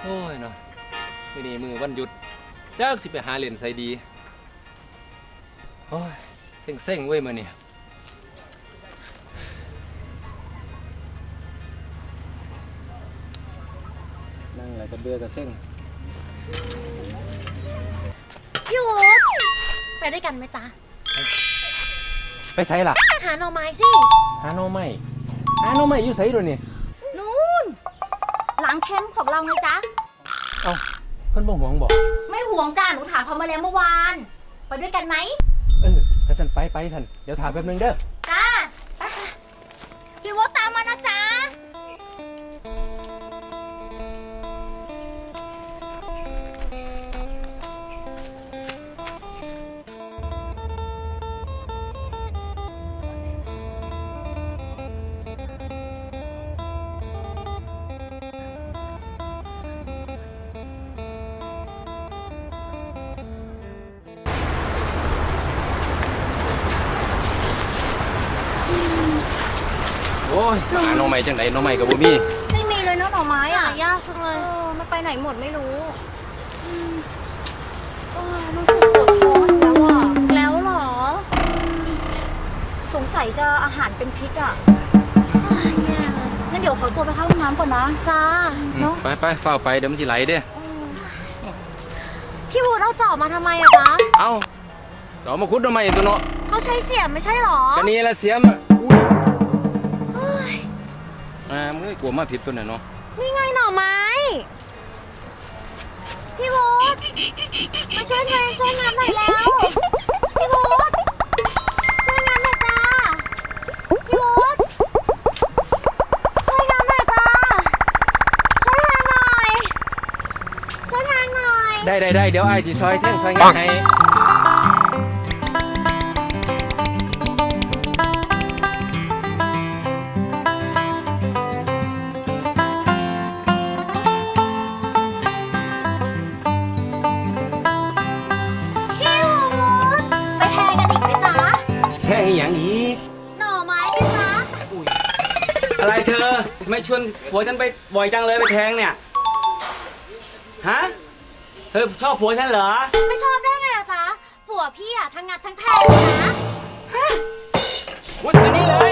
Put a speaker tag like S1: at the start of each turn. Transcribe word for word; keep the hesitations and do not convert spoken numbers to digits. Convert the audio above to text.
S1: โอ้ยเนาะมื้อนี้มือวันหยุดจักสิไปหาเล่นไสดีโอ้ยเซ็งๆเว้ยมื้อนี้นั่งแล้วก็เบื่อก็เซ็ง
S2: พี่อู๊ดไปด้วยกันไหมจ๊ะ
S1: ไปไสล่ะ
S2: หาหน่อไม้สิ
S1: หาหน่อไม้หาหน่อไม้อยู่ไสโดนี่
S3: นู่นหลังแคมป์ของเราไงจ๊ะ
S1: เอ้าเพิ่นบ่หวงบ่
S3: ไม่ห่วงจ้าหนูถามเขามาแล้วเมื่อวาน ไปด้วยกันไหม
S1: เออถ้าซั่นไปไปท่านเดี๋ยวถามแป๊บนึงเด้อ
S3: จ้าไปค่ะพี่วตามมานะจ๊ะ
S1: โอ้ยหาหน่อไม้จังได๋หน่อไม้ก็บ่มี
S3: ไม่มีเลยเนาะหน่อไม้
S2: หา
S3: อ่ะ
S2: ยากจังเล
S3: เอย อมันไปไหนหมดไม่รู้อืมเออรู้สึกปวดท้องแล้วอ่ะ
S2: แล้วเหรอ
S3: สงสัยจะอาหารเป็นพิษอ่ะ
S2: อ้ายแย่เลย
S3: งั้นเดี๋ยวขอตัวไปเข้าห้องน้ำก่อนนะ
S2: จ้า
S3: เนอะ
S1: ไปไปเฝ้าไปเดี๋ยวมันสิไหลเด้อ
S2: พี่อู๊ดเอาจอบมาทำไมอะจ๊ะ
S1: เอ้าเรามาขุดหน่อไม้ตัวเนาะ
S2: เขาใช้เสียมไม่ใช่เหรอ
S1: ก็นี่ละเสียมอะอุ้ย
S2: เฮ้ย
S1: อ่ามึงกลัวมาผิดตัวน่ะเนาะ
S2: นี่ไงหน่อไม้ พี่อู๊ดมาช่วยงานช่วยงานหน่อยแล้ว พี่อู๊ดช่วยงานหน่อยจ้า พี่อู๊ดช่วยงานหน่อยจ้า ช่วยงานหน่อย ช่วยงานหน่อย
S1: ได้ได้ได้เดี๋ยวไอ้จีซอยแท่งซอยงานให้
S2: พี่อู๊ดไปแทงกันอีกไหมจ๊ะ
S1: แท่งอีหยังอีก
S2: หน่อไม้ไหมจ๊ะ
S1: อะไรเธอไม่ชวนผัวฉันไปบ่อยจังเลยไปแทงเนี่ยฮะเธอชอบผัวฉันเหรอ
S2: ไม่ชอบได้ไงอะจ๊ะผัวพี่อะทั้งงัดทั้งแทงเลยนะ
S1: วุ้ยมานี่เลย